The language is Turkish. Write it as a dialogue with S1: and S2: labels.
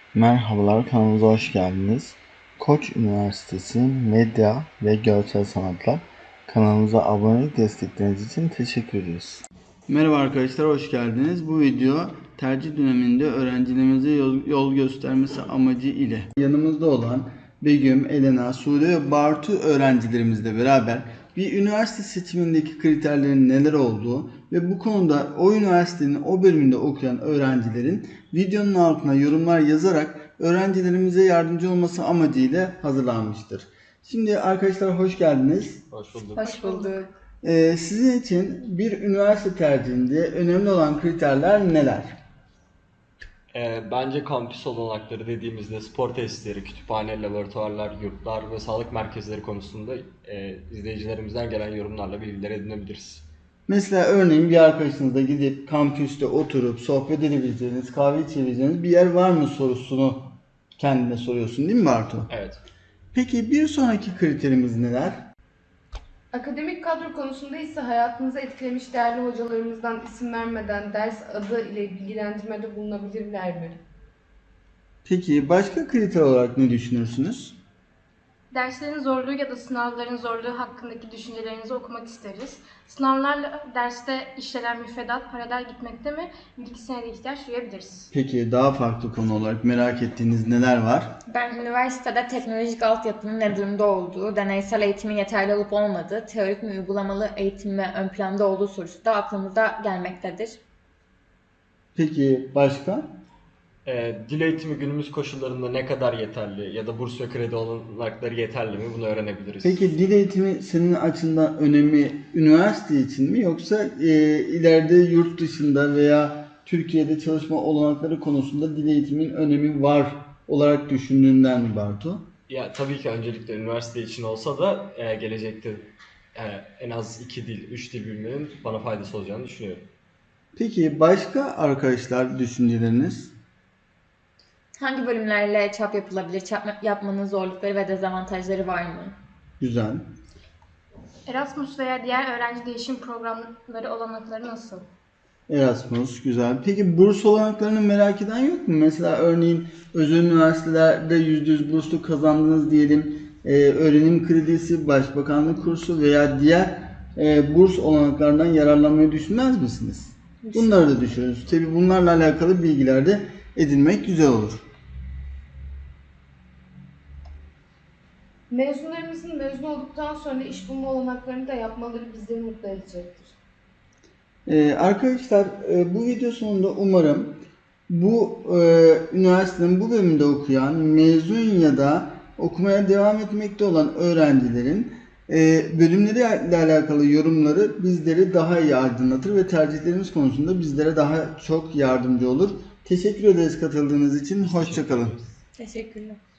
S1: Merhabalar, kanalımıza hoş geldiniz. Koç Üniversitesi Medya ve Görsel Sanatlar kanalımıza abonelik destekleriniz için teşekkür ederiz. Merhaba arkadaşlar, hoş geldiniz. Bu video tercih döneminde öğrencilerimize yol göstermesi amacı ile yanımızda olan Begüm, Elena, Sude ve Bartu öğrencilerimizle beraber bir üniversite seçimindeki kriterlerin neler olduğu ve bu konuda o üniversitenin o bölümünde okuyan öğrencilerin videonun altına yorumlar yazarak öğrencilerimize yardımcı olması amacıyla hazırlanmıştır. Şimdi arkadaşlar hoş geldiniz.
S2: Hoş bulduk.
S3: Hoş bulduk.
S1: Sizin için bir üniversite tercihinde önemli olan kriterler neler?
S2: Bence kampüs olanakları dediğimizde spor tesisleri, kütüphane, laboratuvarlar, yurtlar ve sağlık merkezleri konusunda izleyicilerimizden gelen yorumlarla bilgiler edinebiliriz.
S1: Mesela örneğin bir arkadaşınızla gidip kampüste oturup sohbet edebileceğiniz, kahve içebileceğiniz bir yer var mı sorusunu kendine soruyorsun değil mi Bartu?
S2: Evet.
S1: Peki bir sonraki kriterimiz neler?
S3: Akademik kadro konusunda ise hayatınızı etkilemiş değerli hocalarımızdan isim vermeden ders adı ile bilgilendirmede bulunabilirler mi?
S1: Peki başka kriter olarak ne düşünürsünüz?
S4: Derslerin zorluğu ya da sınavların zorluğu hakkındaki düşüncelerinizi okumak isteriz. Sınavlarla derste işlenen müfredat paralel gitmekte mi? Bilgisine de ihtiyaç duyabiliriz.
S1: Peki daha farklı konu olarak merak ettiğiniz neler var?
S5: Ben üniversitede teknolojik altyapının ne durumda olduğu, deneysel eğitimin yeterli olup olmadığı, teorik mi uygulamalı eğitim mi ön planda olduğu sorusu da aklımıza gelmektedir.
S1: Peki başka?
S2: Dil eğitimi günümüz koşullarında ne kadar yeterli ya da burs ve kredi olanakları yeterli mi? Bunu öğrenebiliriz.
S1: Peki dil eğitimi senin açından önemi üniversite için mi yoksa ileride yurt dışında veya Türkiye'de çalışma olanakları konusunda dil eğitimin önemi var olarak düşündüğünden mi Bartu?
S2: Ya tabii ki öncelikle üniversite için olsa da gelecekte en az 2 dil, 3 dil bilmenin bana faydası olacağını düşünüyorum.
S1: Peki başka arkadaşlar düşünceleriniz?
S5: Hangi bölümlerle çap yapılabilir, çap yapmanın zorlukları ve dezavantajları var mı?
S1: Güzel.
S4: Erasmus veya diğer öğrenci değişim programları olanakları nasıl?
S1: Erasmus güzel. Peki burs olanaklarını merak eden yok mu? Mesela örneğin özel üniversitelerde %100 burslu kazandınız diyelim. Öğrenim kredisi, başbakanlık kursu veya diğer burs olanaklarından yararlanmayı düşünmez misiniz? Bunları da düşünürüz. Tabii bunlarla alakalı bilgiler de edinmek güzel olur.
S3: Mezunlarımızın mezun olduktan sonra iş bulma olanaklarını da yapmaları bizleri mutlu edecektir.
S1: Arkadaşlar bu video sonunda umarım bu üniversitenin bu bölümünde okuyan, mezun ya da okumaya devam etmekte olan öğrencilerin bölümleriyle alakalı yorumları bizleri daha iyi aydınlatır ve tercihlerimiz konusunda bizlere daha çok yardımcı olur. Teşekkür ederiz katıldığınız için. Hoşça kalın.
S5: Teşekkürler.